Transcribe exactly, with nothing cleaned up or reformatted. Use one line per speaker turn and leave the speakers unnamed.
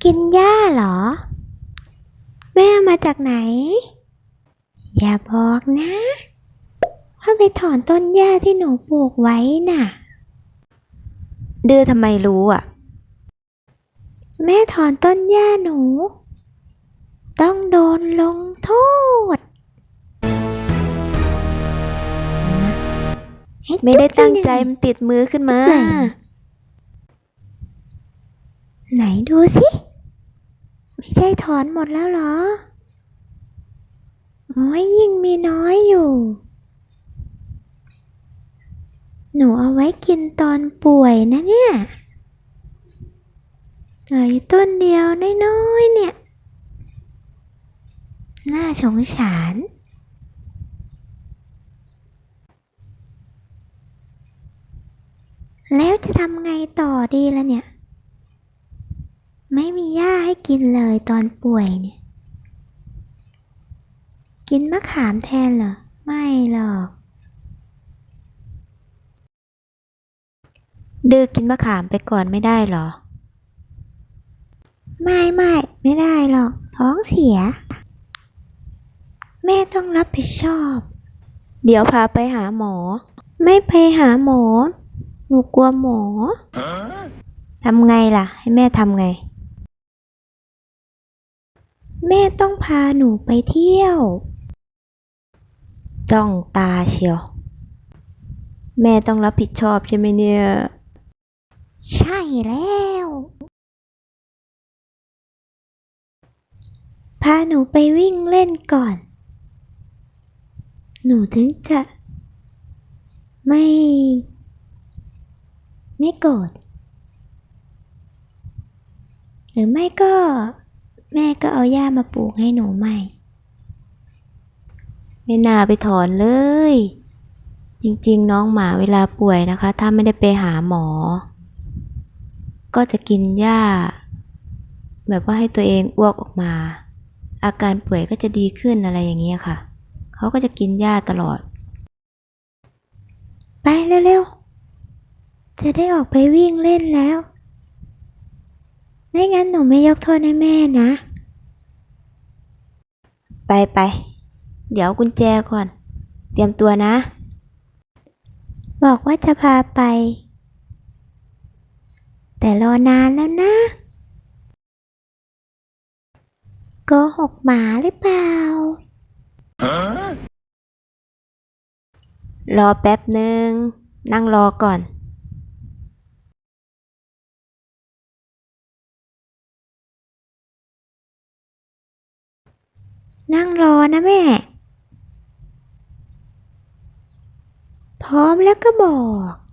กินหญ้าเหรอแม่มาจากไหนอย่าบอกนะว่าไปถอนต้นหญ้าที่หนูปลูกไว้น่ะ
ดื้อทำไมรู้อ่ะ
แม่ถอนต้นหญ้าหนูต้องโดนลงโทษ
ไม่ได้ตั้งใจมันติดมือขึ้นมา
ไหนดูสิไม่ใช่ถอนหมดแล้วเหรอโอ้ยยิ่งมีน้อยอยู่หนูเอาไว้กินตอนป่วยนะเนี่ยเหลืออยู่ต้นเดียวน้อยๆเนี่ยน่าสงสารแล้วจะทำไงต่อดีล่ะเนี่ยไม่มีหญ้าให้กินเลยตอนป่วยเนี่ยกินมะขามแทนเหรอไม่หรอก
ดื้อกินมะขามไปก่อนไม่ได้หรอ
ไม่ไม่ไม่ได้หรอกท้องเสียแม่ต้องรับผิดชอบ
เดี๋ยวพาไปหาหมอ
ไม่ไปหาหมอหนูกลัวหมอ
ทำไงล่ะให้แม่ทำไง
แม่ต้องพาหนูไปเที่ยว
จ้องตาเชียวแม่ต้องรับผิดชอบใช่ไหมเนี่ย
ใช่แล้วพาหนูไปวิ่งเล่นก่อนหนูถึงจะไม่ไม่โกรธหรือไม่ก็แม่ก็เอาหญ้ามาปลูกให้หนูใหม่
ไม่น่าไปถอนเลยจริงๆน้องหมาเวลาป่วยนะคะถ้าไม่ได้ไปหาหมอก็จะกินหญ้าแบบว่าให้ตัวเองอ้วกออกมาอาการป่วยก็จะดีขึ้นอะไรอย่างเงี้ยค่ะเขาก็จะกินหญ้าตลอด
ไปเร็วๆจะได้ออกไปวิ่งเล่นแล้วไม่งั้นหนูไม่ยกโทษให้แม่นะ
ไปไปเดี๋ยวกุญแจก่อนเตรียมตัวนะ
บอกว่าจะพาไปแต่รอนานแล้วนะโกหกหมาหรือเปล่า
รอแป๊บหนึ่งนั่งรอก่อน
นั่งรอนะแม่พร้อมแล้วก็บอก